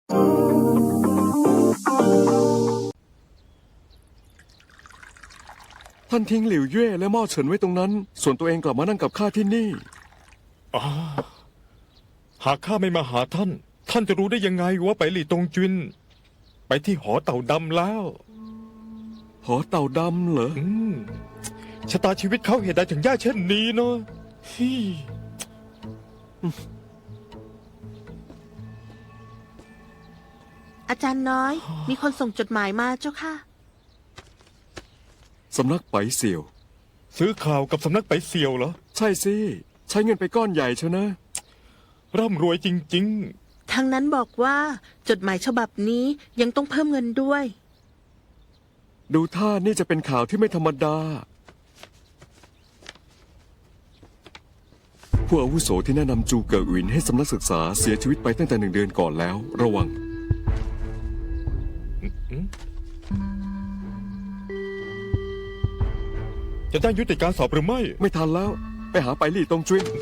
ท่านทิ้งหลิวเย่และหม้อเฉินไว้ตรงนั้นส่วนตัวเองกลับมานั่งกับข้าที่นี่หากข้าไม่มาหาท่าน ท่านจะรู้ได้ยังไงว่าไปหลี่ตงจุนไปที่หอเต่าดำแล้วหอเต่าดำเหรอชะตาชีวิตเขาเหตุใดถึงแย่เช่นนี้เนาะอาจารย์น้อย มีคนส่งจดหมายมาเจ้าค่ะสำนักไปเสี่ยวซื้อข่าวกับสำนักไปเสี่ยวเหรอใช่สิใช้เงินไปก้อนใหญ่เชียวนะร่ำรวยจริงทางนั้นบอกว่าจดหมายฉบับนี้ยังต้องเพิ่มเงินด้วยดูท่านี่จะเป็นข่าวที่ไม่ธรรมดาผู้อาวุโสที่แนะนำจูเกิดวินให้สำนักศึกษาเสียชีวิตไปตั้งแต่1 เดือนก่อนแล้วระวังจะได้ยุติการสอบหรือไม่ไม่ทันแล้วไปหาไปหลี่ตงจุ้น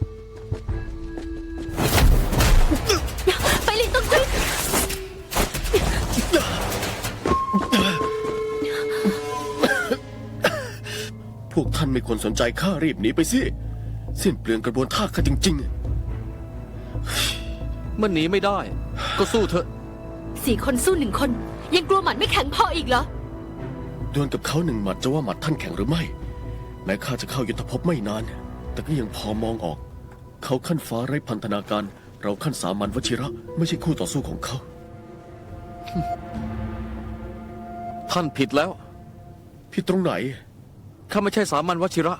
ไปหลี่ตงจุ้นพวกท่านไม่ควรสนใจข้ารีบหนีไปสิสิ้นเปลืองกระบวนท่าข้าจริงๆมันหนีไม่ได้ก็สู้เถอะ 4 คนสู้1 คนยังกลัวหมัดไม่แข็งพออีกเหรอดวลกับเขา1 หมัดจะว่าหมัดท่านแข็งหรือไม่แม้ข้าจะเข้ายุทธภพไม่นานแต่ก็ยังพอมองออกเขาขั้นฟ้าไร้พันธนาการเราขั้นสามัญวชิระไม่ใช่คู่ต่อสู้ของเขาท่านผิดแล้วผิดตรงไหนข้าไม่ใช่สามัญวชิระ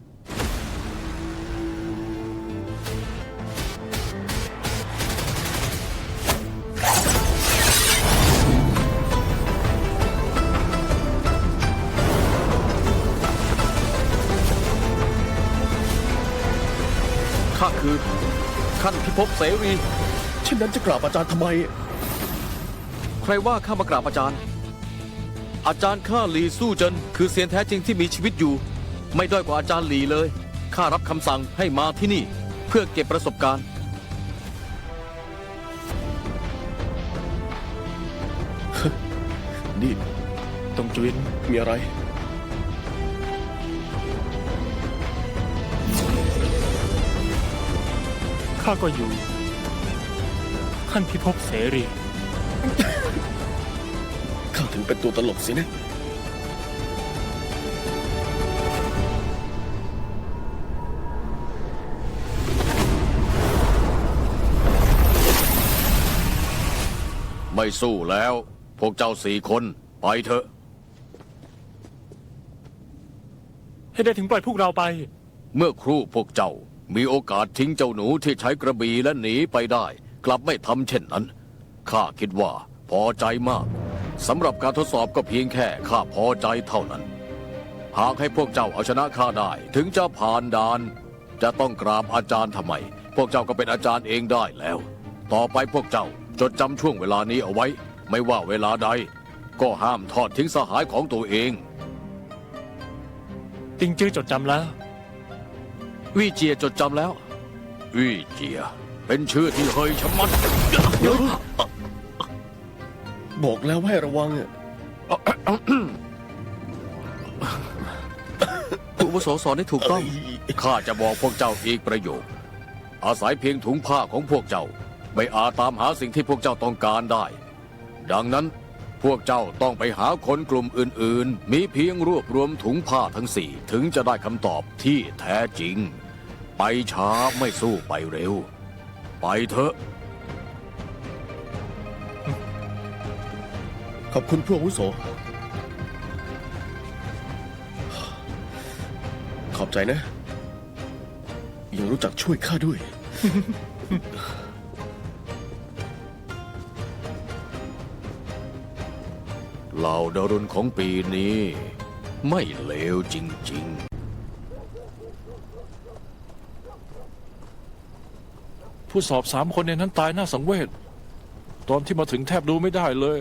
ข้าคือขั้นพิภพเสรีเช่นนั้นจะกราบอาจารย์ทำไมใครว่าข้ามากราบอาจารย์อาจารย์ข้าหลีสู้เจินคือเซียนแท้จริงที่มีชีวิตอยู่ไม่ด้อยกว่าอาจารย์หลีเลยข้ารับคำสั่งให้มาที่นี่เพื่อเก็บประสบการณ์นี่ตงจุนมีอะไรข้าก็อยู่ขั้นพิภพเสรีข้าถึงเป็นตัวตลกสินะไม่สู้แล้วพวกเจ้า4 คนไปเถอะให้ได้ถึงปล่อยพวกเราไปเมื่อครู่พวกเจ้ามีโอกาสทิ้งเจ้าหนูที่ใช้กระบี่และหนีไปได้กลับไม่ทำเช่นนั้นข้าคิดว่าพอใจมากสำหรับการทดสอบก็เพียงแค่ข้าพอใจเท่านั้นหากให้พวกเจ้าเอาชนะข้าได้ถึงจะผ่านด่านจะต้องกราบอาจารย์ทำไมพวกเจ้าก็เป็นอาจารย์เองได้แล้วต่อไปพวกเจ้าจดจำช่วงเวลานี้เอาไว้ไม่ว่าเวลาใดก็ห้ามทอดทิ้งสหายของตัวเองติงจื้อจดจำแล้ววี่เจียจดจำแล้ววี่เจียเป็นชื่อที่เฮยชะมัดบอกแล้วให้ระวังผู้อาวุโสสอนให้ถูกต้องข้าจะบอกพวกเจ้าอีกประโยคอาศัยเพียงถุงผ้าของพวกเจ้าไม่อาจตามหาสิ่งที่พวกเจ้าต้องการได้ดังนั้นพวกเจ้าต้องไปหาคนกลุ่มอื่นๆมีเพียงรวบรวมถุงผ้าทั้ง4ถึงจะได้คำตอบที่แท้จริงไปช้าไม่สู้ไปเร็วไปเถอะขอบคุณผู้อาวุโสขอบใจนะยังรู้จักช่วยข้าด้วยเหล่าดารุณของปีนี้ไม่เลวจริงๆผู้สอบ3 คนในนั้นตายน่าสังเวชตอนที่มาถึงแทบดูไม่ได้เลย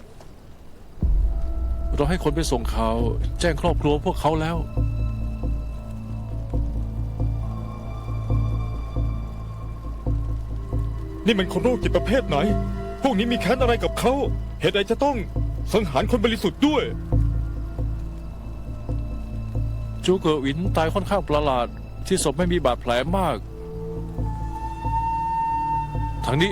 เราให้คนไปส่งข่าวแจ้งครอบครัวพวกเขาแล้วนี่มันคนโรคจิตประเภทไหนพวกนี้มีแค้นอะไรกับเขา เหตุใดจะต้องสังหารคนบริสุทธิ์ด้วยจูเกอร์หวินตายค่อนข้างประหลาด ที่ศพไม่มีบาดแผลมาก ทางนี้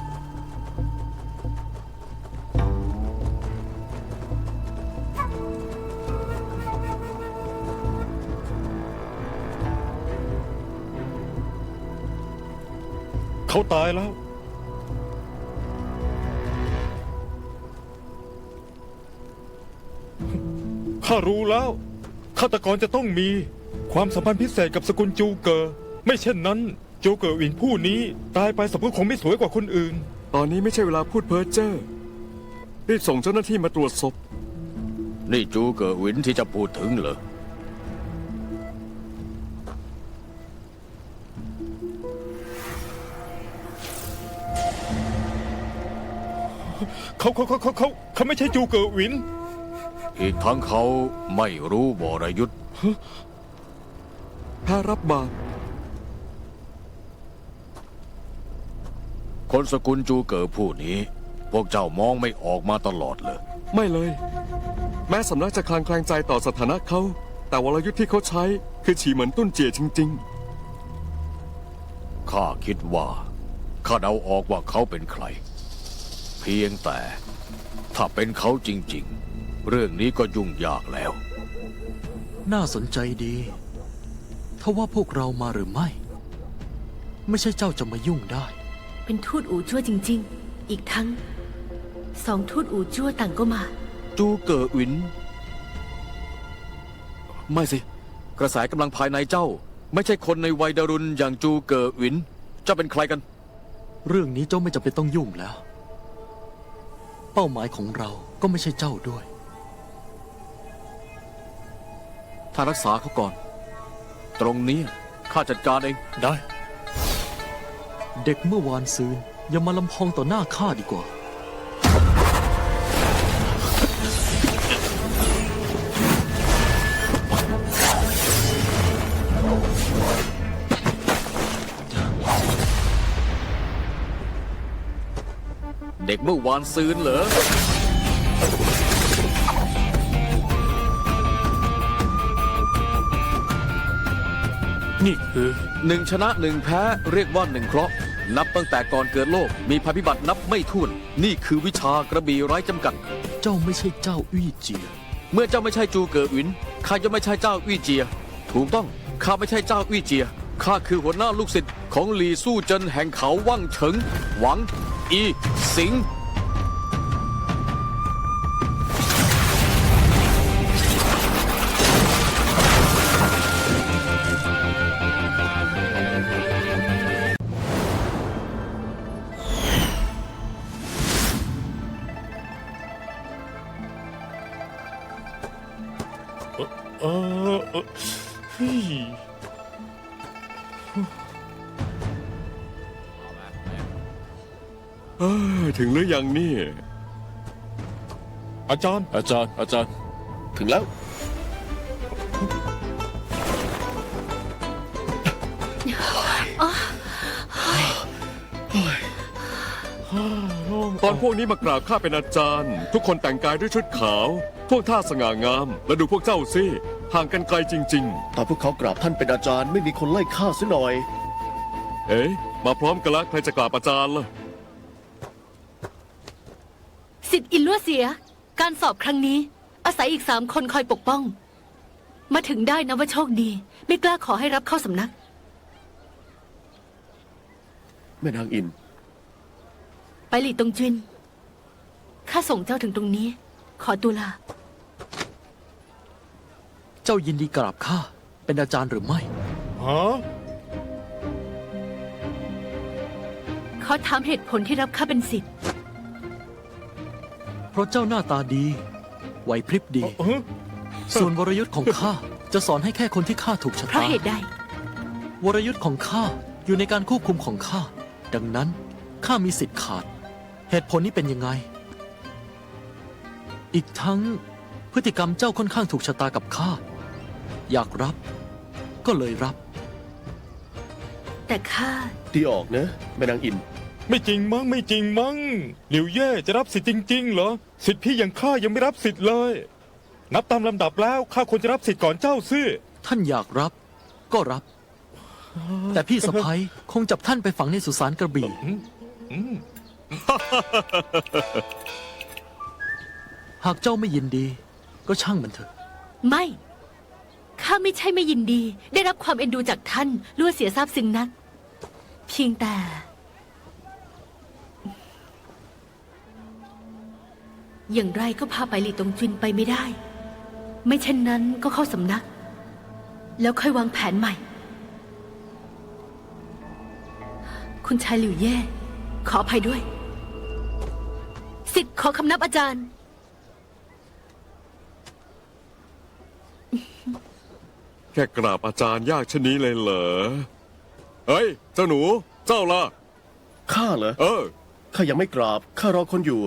เขาตายแล้ว ข้ารู้แล้ว ฆาตกรจะต้องมีความสัมพันธ์พิเศษกับสกุลจูเกอร์ ไม่เช่นนั้น จูเกอร์วินผู้นี้ตายไปสมก็คงไม่สวยกว่าคนอื่นตอนนี้ไม่ใช่เวลาพูดเพ้อเจ้อรีบส่งเจ้าหน้าที่มาตรวจศพนี่จูเกอร์หวินที่จะพูดถึงเหรอเขาไม่ใช่จูเกอร์วินอีกทั้งเขาไม่รู้วรยุทธ์แพ้รับบาปคนสกุลจูเกอร์ผู้นี้ พวกเจ้ามองไม่ออกมาตลอดเลยไม่เลย แม้สำนักจะคลางแคลงใจต่อสถานะเขา แต่วรยุทธ์ที่เขาใช้คือฉีเหมือนตุ้นเจียจริงข้าคิดว่า ข้าเดาออกว่าเขาเป็นใคร เพียงแต่ถ้าเป็นเขาจริงๆ เรื่องนี้ก็ยุ่งยากแล้วน่าสนใจดีถ้าว่าพวกเรามาหรือไม่ ไม่ใช่เจ้าจะมายุ่งได้เป็นทูตอู่จั่วจริง ๆ อีกทั้งสองทูตอู่จั่วต่างก็มาจูเกอร์หวิน ไม่สิ กระแสกำลังภายในเจ้า ไม่ใช่คนในวัยดารุณอย่างจูเกอร์หวิน เจ้าเป็นใครกันเรื่องนี้เจ้าไม่จำเป็นต้องยุ่งแล้ว เป้าหมายของเราก็ไม่ใช่เจ้าด้วยถ้ารักษาเขาก่อน ตรงนี้ข้าจัดการเองได้เด็กเมื่อวานซืนอย่ามาลำพองต่อหน้าข้าดีกว่าเด็กเมื่อวานซืนเหรอนี่คือหนึ่งชนะหนึ่งแพ้เรียกว่าหนึ่งเคราะห์นับตั้งแต่ก่อนเกิดโลก มีภัยพิบัตินับไม่ถ้วน นี่คือวิชากระบี่ไร้จำกัดเจ้าไม่ใช่เจ้าอี้เจียเมื่อเจ้าไม่ใช่จูเกิดหวินข้าจะไม่ใช่เจ้าอี้เจีย ถูกต้องข้าไม่ใช่เจ้าอี้เจียข้าคือหัวหน้าลูกศิษย์ของหลีสู้เจินแห่งเขาว่างเฉิง หวัง อีสิงเฮ้ยๆ ถึงหรือยังนี่อาจารย์อาจารย์ถึงแล้วตอนพวกนี้มากราบข้าเป็นอาจารย์ ทุกคนแต่งกายด้วยชุดขาวท่วงท่าสง่างาม และดูพวกเจ้าสิห่างกันไกลจริงตอนพวกเขากราบท่านเป็นอาจารย์ไม่มีคนไล่ฆ่าซะหน่อยๆ เอ๊ะมาพร้อมกันละใครจะกราบอาจารย์ล่ะสิทธิ์อินลัวเสีย การสอบครั้งนี้ อาศัยอีก3 คนคอยปกป้อง มาถึงได้นะว่าโชคดี ไม่กล้าขอให้รับเข้าสำนักแม่นางอินไปหลี่ตงจินข้าส่งเจ้าถึงตรงนี้ ขอตัวลาเจ้ายินดีกราบข้าเป็นอาจารย์หรือไม่ฮะขอถามเหตุผลที่รับข้าเป็นศิษย์เพราะเจ้าหน้าตาดีไหวพริบดี ส่วนวรยุทธ์ของข้าจะสอนให้แค่คนที่ข้าถูกชะเพราะตาเหตุใดวรยุทธ์ของข้าอยู่ในการควบคุมของข้า ดังนั้นข้ามีสิทธิ์ขาด เหตุผลนี้เป็นยังไง อีกทั้งพฤติกรรมเจ้าค่อนข้างถูกชะตากับข้า อยากรับ ก็เลยรับแต่ข้าดีออกนะแม่นางอินไม่จริงมั้งไม่จริงมั้งหลิวเย่จะรับสิทธิ์จริงๆเหรอสิทธิ์พี่อย่างข้ายังไม่รับสิทธิ์เลย นับตามลำดับแล้วข้าควรจะรับสิทธิ์ก่อนเจ้าสิท่านอยากรับก็รับ แต่พี่สะพ้ยคงจับท่านไปฝังในสุสานกระบี่ หากเจ้าไม่ยินดี ก็ช่างมันเถอะไม่ ข้าไม่ใช่ไม่ยินดี ได้รับความเอ็นดูจากท่านล้วนเสียทราบซึ้งนัก เพียงแต่ อย่างไรก็พาไปหลีตงจินไปไม่ได้ ไม่เช่นนั้นก็เข้าสำนัก แล้วค่อยวางแผนใหม่ คุณชายหลิวเย่ ขออภัยด้วย สิทธิ์ขอคำนับอาจารย์แค่กราบอาจารย์ยากชนนี้เลยเหรอ เฮ้ย เจ้าหนู เจ้าล่ะข้าเหรอเออข้ายังไม่กราบ ข้ารอคนอยู่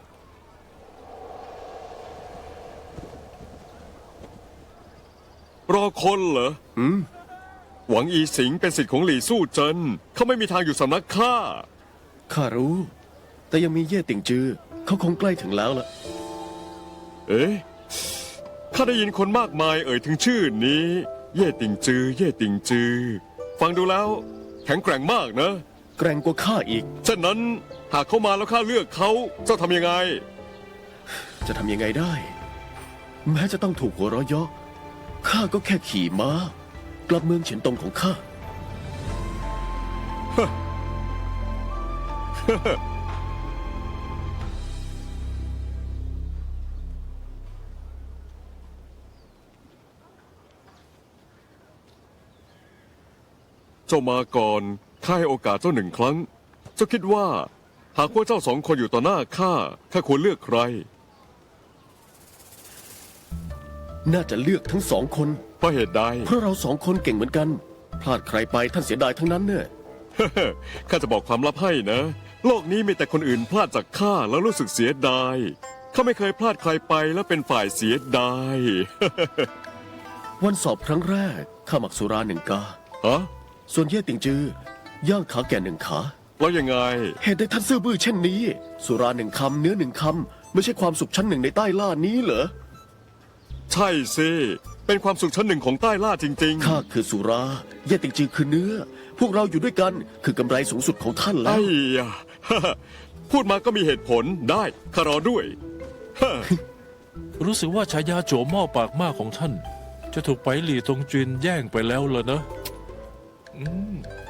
รอคนเหรออืมหวังอีสิงเป็นสิทธิ์ของหลี่สู้เจินเขาไม่มีทางอยู่สำนักข้าข้ารู้ แต่ยังมีเย่ติ่งจือ เขาคงใกล้ถึงแล้วล่ะเอ๊ะ ข้าได้ยินคนมากมายเอ่ยถึงชื่อนี้ เย่ติงจือ เย่ติงจือ ฟังดูแล้ว แข็งแกร่งมากนะแกร่งกว่าข้าอีกฉะนั้นหากเขามาแล้วข้าเลือกเขาเจ้าทำยังไงจะทำยังไงได้ แม้จะต้องถูกหัวเราะเยาะข้าก็แค่ขี่ม้า กลับเมืองเฉียนตงของข้าเจ้ามาก่อนข้าให้โอกาสเจ้าหนึ่งครั้ง เจ้าคิดว่า หากว่าเจ้าสองคนอยู่ต่อหน้าข้าควรเลือกใครน่าจะเลือกทั้งสองคนเพราะเหตุใดเพราะเราสองคนเก่งเหมือนกัน พลาดใครไปท่านเสียดายทั้งนั้นเนี่ยข้าจะบอกความลับให้นะ โลกนี้มีแต่คนอื่นพลาดจากข้าแล้วรู้สึกเสียดาย ข้าไม่เคยพลาดใครไปแล้วเป็นฝ่ายเสียดายวันสอบครั้งแรกข้าหมักสุราหนึ่งกาฮะส่วนเย่ติ่งจือย่างขาแก่หนึ่งขาแล้วยังไงเหตุใดท่านซื่อบื้อเช่นนี้ สุราหนึ่งคำเนื้อหนึ่งคำไม่ใช่ความสุขชั้นหนึ่งในใต้ล่านี้เหรอใช่สิ เป็นความสุขชั้นหนึ่งของใต้ล่าจริงข้าคือสุราเย่ติ่งจือคือเนื้อ พวกเราอยู่ด้วยกันคือกำไรสูงสุดของท่านๆแล้ไอ้วยะ พูดมาก็มีเหตุผลได้ข้ารอด้วยรู้สึกว่าฉายาโจหม้อปากมากของท่าน จะถูกไปหลี่ตงจินแย่งไปแล้วเหรอนะ